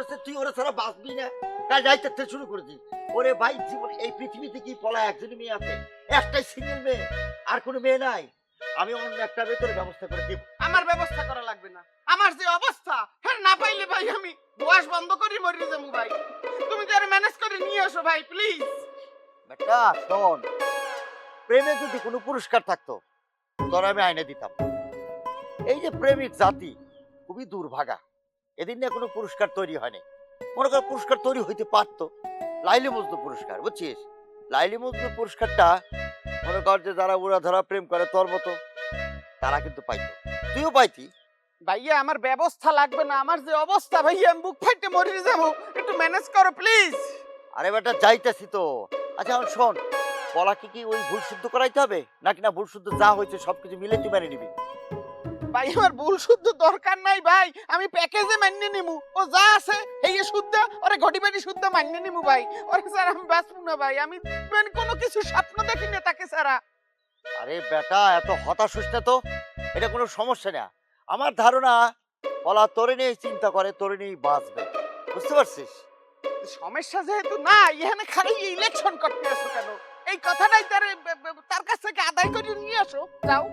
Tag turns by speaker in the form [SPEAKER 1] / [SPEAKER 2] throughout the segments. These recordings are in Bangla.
[SPEAKER 1] করেছে তুই ওরা ছাড়া বাঁচবি না, কাল যাইতে শুরু করেছিস। ওরে ভাই, জীবন এই পৃথিবীতে কি পলা একজনই মেয়ে আছে, একটাই সিঙ্গেল মেয়ে, আর কোনো মেয়ে নাই। আমি অন্য একটা ভেতরে ব্যবস্থা করে দিব।
[SPEAKER 2] আমার ব্যবস্থা করা লাগবে না, আমার যে অবস্থা হ্যাঁ না পাইলে ভাই আমি বয়স বন্ধ করি মরে যাবো ভাই। তুমি যারা ম্যানেজ করে নিয়ে আসো ভাই প্লিজ।
[SPEAKER 1] বেটা শোন, প্রেমে যদি কোনো পুরস্কার থাকতো তোর আমি আইনে দিতাম। এই যে প্রেমিক জাতি খুবই দুর্ভাগা, এদিন নিয়ে কোনো পুরস্কার তৈরি হয়নি। মনে কর পুরস্কার তৈরি হইতে পারতো, লাইলি মজনু পুরস্কার, বুঝছিস? লাইলি মজনু পুরস্কারটা মনে কর যে যারা উড়া ধরা প্রেম করে তোর মতো তারা কিন্তু পাইতো, তুইও পাইতি।
[SPEAKER 2] ভাইয়া আমার ব্যবস্থা লাগবে না, আমার যে অবস্থা ভাইয়া আমি বুক ফাইটে মরে যাবো, একটু ম্যানেজ করো প্লিজ।
[SPEAKER 1] আরে বেটা যাইতেছি তো। আচ্ছা এখন শোন, পলাকে কি ওই ভুল শুদ্ধ করাইতে হবে নাকি না ভুল শুদ্ধ যা হয়েছে সবকিছু মিলে তুই মেনে নিবি?
[SPEAKER 2] ভাই আমার ভুল শুদ্ধ দরকার নাই ভাই, আমি প্যাকেজে মান্য নিমু, ও যা আছে এই শুদ্ধ ওরে ঘটি বাড়ি শুদ্ধ মান্য নিমু ভাই। ওরে স্যার আমি বাঁচবো না ভাই, আমি কোনো কিছু স্বপ্ন দেখি না তাকে ছাড়া।
[SPEAKER 1] আরে বেটা এত হতাশ হইস না তো, এটা কোনো সমস্যা না। আমার ধারণা পলা তোরে নিয়ে চিন্তা করে, তোরে নিয়েই বাঁচবে, বুঝতে পারছিস?
[SPEAKER 2] সমস্যা যেহেতু না, এখানে খালি ইলেকশন করতে আসো কেন? এই কথাটাই তার কাছ থেকে আদায় করে নিয়ে আসো, যাও।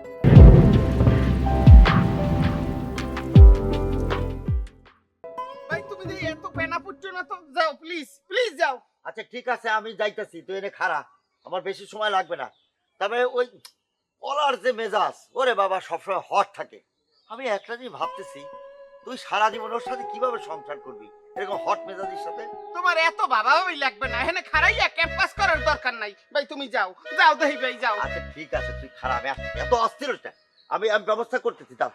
[SPEAKER 2] ভাই তুমি যে এত পেনা পুচ্ছ না তো, যাও প্লিজ প্লিজ যাও।
[SPEAKER 1] আচ্ছা ঠিক আছে, আমি যাইতাছি, তুই এনে খাড়া, আমার বেশি সময় লাগবে না। তবে ওই পলার যে মেজাজ, ওরে বাবা সবসময় হট থাকে। আমি একটা জিনিস ভাবতেছি, তুই সারা জীবন ওর সাথে কিভাবে সংসার করবি এরকম হট মেজাজের সাথে?
[SPEAKER 2] তোমার এত ভাবাভাবি লাগবে না, এখানে খারাইয়া ক্যাম্পাস করার দরকার নাই ভাই, তুমি যাও যাও দেহি ভাই যাও।
[SPEAKER 1] আচ্ছা ঠিক আছে, তুই খারাপ, আমি আসছি, এত অস্থির হস না। আমি আমি ব্যবস্থা করতেছি, দাও।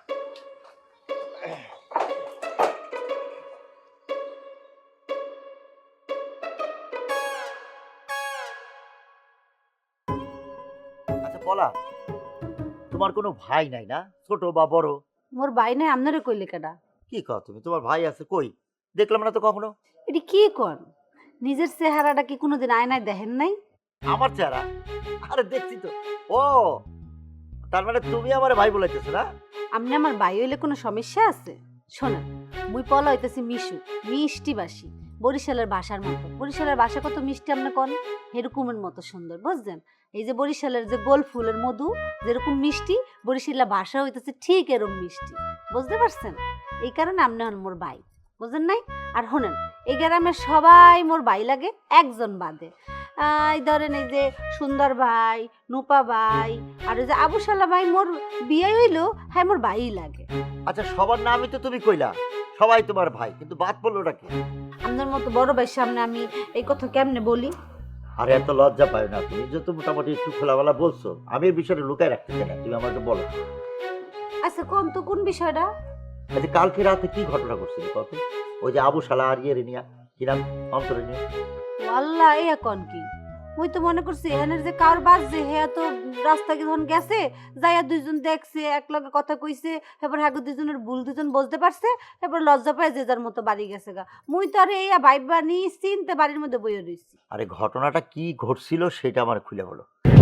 [SPEAKER 1] আচ্ছা পলা, তোমার কোনো ভাই নাই না, ছোট বা বড়?
[SPEAKER 3] মোর ভাই নাই, আপনারে কইলে কেডা?
[SPEAKER 1] কি কও তুমি, তোমার ভাই আছে কই? দেখলাম না তো কখনো।
[SPEAKER 3] এটি কি কন? নিজের চেহারাটা কি কোনোদিন আয়নায় দেখেন নাই?
[SPEAKER 1] আমার চেহারা? আরে দেখছি তো। ও, তার মানে তুমি আমার ভাই বলাইতেছো না?
[SPEAKER 3] আপনি আমার ভাই হইলে কোনো সমস্যা আছে? শোনেন, মুই পলা হইতেছি মিশু, মিষ্টি বাসি, বরিশালের ভাষার মতো। বরিশালের ভাষা কত মিষ্টি আপনি কন, এরকমের মতো সুন্দর, বুঝছেন? এই যে বরিশালের যে গোল ফুলের মধু যেরকম মিষ্টি, বরিশালের ভাষা হইতেছে ঠিক এরকম মিষ্টি, বুঝতে পারছেন? এই কারণে আপনি হন মোর ভাই, বুঝেন নাই? আর শোনেন, এই গ্রামের সবাই মোর ভাই লাগে একজন বাদে। এই ধরেন এই যে সুন্দর ভাই, নুপা ভাই, আর ওই যে আবুশালা ভাই মোর বিয়ে হইলো, হ্যাঁ মোর ভাই লাগে।
[SPEAKER 1] আচ্ছা সবার নামই তো তুমি কইলা, সবাই তোমার ভাই, কিন্তু বাদ পড়লো নাকি?
[SPEAKER 3] আপনার মতো বড় ভাইয়ের সামনে আমি এই কথা কেমনে বলি?
[SPEAKER 1] আরে এত লজ্জা পায় না, তুমি যত মোটামুটি একটু খোলামেলা বলছো, আমি এই বিষয়টা লুকায় রাখতে চাই না, তুমি আমাকে বলো।
[SPEAKER 3] আচ্ছা কোন তো কোন বিষয়টা?
[SPEAKER 1] আচ্ছা কালকে রাতে কি ঘটনা ঘটছিল কত? ওই যে আবু শালা আর ইয়ে নিয়া, কি নাম, অন্তরে নিয়ে।
[SPEAKER 3] আল্লাহ, এ কোন কি? মুই তো মনে করছি এখানের যে কার বাস যে হে তো রাস্তা যখন গেছে যাইয়া দুইজন দেখছে, এক লগে কথা কইছে, এবার হ্যাঁ দুইজনের ভুল দুজন বুঝতে পারছে, এবার লজ্জা পায় যে যার মতো বাড়ি গেছে গা। মুই তো আর এই ভাইবা নি চিনতে বাড়ির মধ্যে বইয়ে রইছি।
[SPEAKER 1] আরে ঘটনাটা কি ঘটছিল সেটা আমার খুলে বলো।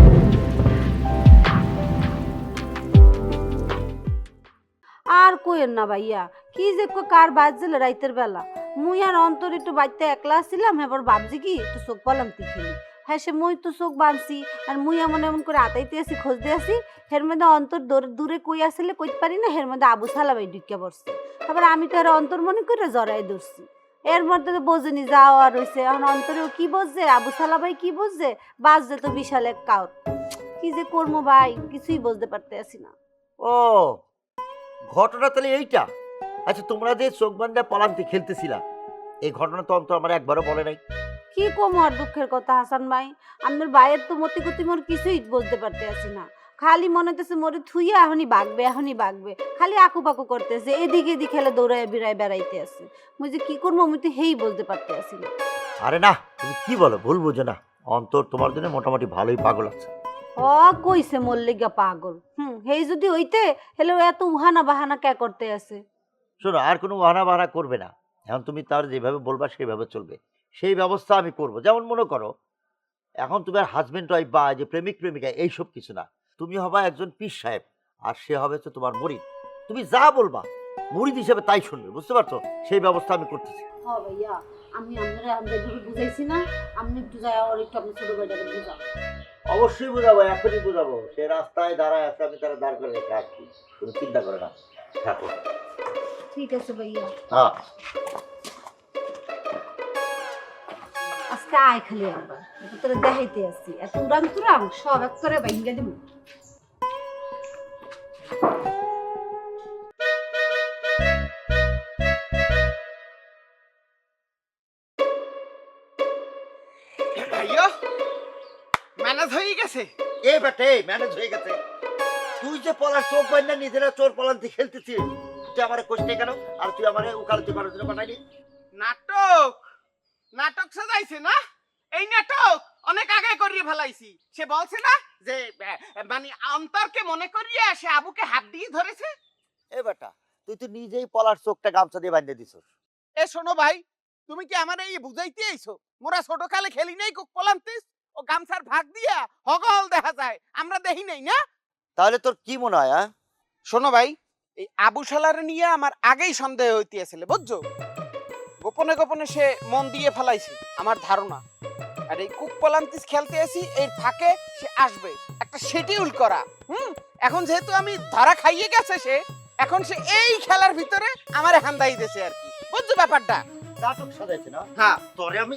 [SPEAKER 3] আর কইেন না ভাইয়া, কি যে কার বাজছিল রাইতের বেলা। মুই আর অন্তর একটু বাড়িতে একলা ছিলাম, এবার ভাবছি কি একটু চোখ পালাম খেলি। হ্যাঁ সে মুই তো চোখ বাঁধছি, আর মুই এমন এমন করে আতাইতে আসি, খুঁজতে আসি, হের মধ্যে অন্তর দূরে কই আসলে কইতে পারি না, হের মধ্যে আবু সালাবাই ঢুকে পড়ছে। তারপর আমি তো আর অন্তর মনে করে জড়াই ধরছি। এর মধ্যে তো বোঝেনি যাওয়া রয়েছে, এখন অন্তরেও কি বুঝছে, আবু সালাবাই কি বুঝছে, বাজছে তো বিশাল এক কাউর। কি যে করবো ভাই, কিছুই বুঝতে পারতে আসি না।
[SPEAKER 1] ও, ঘটনা তাহলে এইটা? আচ্ছা তোমরা যে চোখ বান্ধা পলান্তি খেলতেছিলা, এই ঘটনা তো অন্তর আমার একবারও বলে নাই।
[SPEAKER 3] কি কম আর দুঃখের কথা হাসান ভাই, আমার ভাইয়ের তো মতি গতি মোর কিছুই বুঝতে পারতে আসি না। খালি মনে হতেছে মোরে থুইয়া এখনই বাগবে, এখনই বাগবে, খালি আকু পাকু করতেছে, এদিকে এদিকে খেলে দৌড়ায় বিড়ায় বেড়াইতে আছে। মুই যে কি করবো আমি তো হেই বলতে পারতে আসি না।
[SPEAKER 1] আরে না, তুমি কি বলো, ভুল বুঝো না, অন্তর তোমার জন্য মোটামুটি ভালোই পাগল আছে।
[SPEAKER 3] ও কইছে মল্লিকা পাগল, হেই যদি হইতে হেলে এত উহানা বাহানা কে করতে আছে?
[SPEAKER 1] শোনো, আর কোনো বাহানা বাহানা করবে না, এখন তুমি তার যেভাবে বলবা সেইভাবে চলবে, সেই ব্যবস্থা আমি করব। যেমন মনে করো এখন তোমার হাজবেন্ড ওয়াইফ বা যে প্রেমিক প্রেমিকা এইসব কিছু না, তুমি হবা একজন পীর সাহেব, আর সে হবে হচ্ছে তোমার মরিদ। তুমি যা বলবা মুরিদ হিসেবে তাই শুনবে, বুঝতে পারছো? সেই ব্যবস্থা আমি করতেছি।
[SPEAKER 3] হ্যাঁ ভাইয়া, আমি আপনারা আমাদের বুঝাইছি না, আপনি একটু যায় আর একটু আপনার ছোট ভাইটাকে বুঝাও।
[SPEAKER 1] অবশ্যই বোঝাবো, এখনই বোঝাবো। সে রাস্তায় দাঁড়ায় আছে, আমি তারা দাঁড় করে রেখে আসছি, তুমি চিন্তা করে না, থাকো।
[SPEAKER 3] ঠিক আছে ভাইয়া,
[SPEAKER 1] হ্যাঁ
[SPEAKER 3] আজকে আয় খালি একবার, এটা তোরা দেখাইতে আসছি, এত উড়াং তুরাং সব এক করে ভাইঙ্গা দিব।
[SPEAKER 2] ভাইয়া ম্যানেজ হয়ে গেছে।
[SPEAKER 1] এ বেটে, ম্যানেজ হয়ে গেছে। তুই যে পলার চোখ বাইনা নিজেরা চোর পলান্তি খেলতেছিস, তুই আমারে কোষ্ঠে কেন? আর তুই আমারে উকালতি করার জন্য বানাইলি?
[SPEAKER 2] নাটক নাটক সাজাইছে না? এই নাটক অনেক আগে করিয়ে ফেলাইছি। সে বলছে না যে মানে অন্তরকে মনে করিয়ে সে আবুকে হাত দিয়ে ধরেছে।
[SPEAKER 1] এ বেটা, তুই তো নিজেই পলার চোখটা গামছা দিয়ে বাঁধিয়ে দিছিস।
[SPEAKER 2] এ শোনো ভাই, তুমি কি আমার এই বুঝাইতে আইছো? মোরা ছোট কালে খেলি নাই কুক পলান্তিস? ও গামছার ভাগ দিয়া হগল দেখা যায়, আমরা দেখি নাই না?
[SPEAKER 1] তাহলে তোর কি মনে হয়? হ্যাঁ,
[SPEAKER 2] শোনো ভাই, এই আবু শালার নিয়ে আমার আগেই সন্দেহ হইতেছিল, বুঝছো? গোপনে গোপনে সে মন দিয়ে ফেলাইছে আমার ধারণা। আর এই কুক পলান্তিস খেলতে আসি, এর ফাঁকে সে আসবে, একটা শিডিউল করা। এখন যেহেতু আমি ধরা খাইয়ে গেছে সে, এখন সে এই খেলার ভিতরে আমার হান্দাই দিয়েছে আর কি, বুঝছো ব্যাপারটা?
[SPEAKER 1] নাটক সাজাইছে না?
[SPEAKER 2] হ্যাঁ।
[SPEAKER 1] তোরে আমি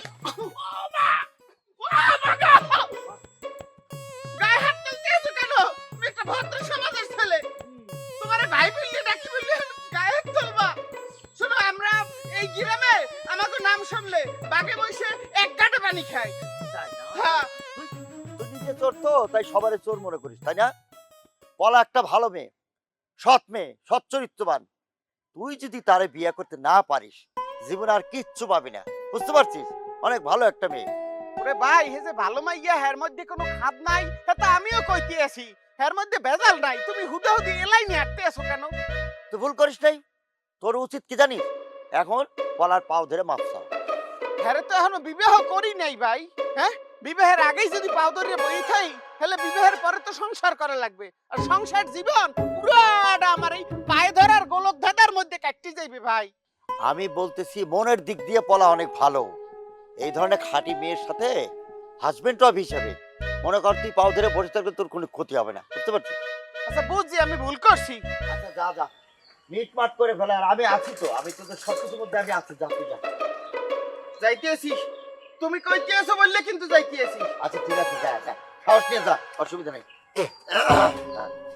[SPEAKER 2] গায়ে হাত তুলতে এসো কেন? তুমি একটা ভদ্র সমাজের ছেলে, তোমার ভাই বললে ডাকি বললে গায়ে হাত তুলবা? শোনো, আমরা এই গ্রামে আমাকে নাম শুনলে বাগে বসে এক গাঁটে পানি খাই।
[SPEAKER 1] তাই না?
[SPEAKER 2] হ্যাঁ।
[SPEAKER 1] তুই নিজে চোর তো, তাই সবারে চোর মনে করিস, তাই না? পলা একটা ভালো মেয়ে, সৎ মেয়ে, সৎ চরিত্রবান। তুই যদি তারে বিয়ে করতে না পারিস, জীবনে আর কিচ্ছু পাবি না, বুঝতে পারছিস? অনেক ভালো একটা মেয়ে।
[SPEAKER 2] ওরে ভাই, হে যে ভালো মাইয়া, হের মধ্যে কোনো খাদ নাই, তা আমিও কইতে আছি হের মধ্যে ভেজাল নাই। তুমি হুদা হুদি এলাই নিয়ে হাঁটতে আসো কেন?
[SPEAKER 1] তুই ভুল করিস নাই। তোর উচিত কি জানিস? এখন পলার পাও ধরে মাপ চাও।
[SPEAKER 2] হ্যারে তো এখনো বিবাহ করি নাই ভাই। হ্যাঁ, বিবাহের আগেই যদি পাও ধরিয়ে বই থাই, তাহলে বিবাহের পরে তো সংসার করা লাগবে। আর সংসার জীবন পুরাটা আমার এই পায়ে ধরার গোলক ধাঁধার মধ্যে কাটতে যাইবে ভাই।
[SPEAKER 1] আমি বলতেছি, মনের দিক দিয়ে পলা অনেক ভালো। এই ধরনের খাঁটি মেয়ের সাথে হাজবেন্ড অফ হিসাবে মনে কর, তুই পাও ধরে বসে থাকলে তোর কোনো ক্ষতি হবে না, বুঝতে পারছিস?
[SPEAKER 2] আচ্ছা বুঝছি, আমি ভুল করছি।
[SPEAKER 1] আচ্ছা যা যা, মিটমাট করে ফেলে। আর আমি আছি তো, আমি তোদের সব কিছুর মধ্যে আমি আছি, যা তুই যা।
[SPEAKER 2] যাইতে আছি, তুমি কইতে আছো বললে কিন্তু যাইতে আছি।
[SPEAKER 1] আচ্ছা ঠিক আছে, যা যা, সাহস নিয়ে যা, অসুবিধা নেই।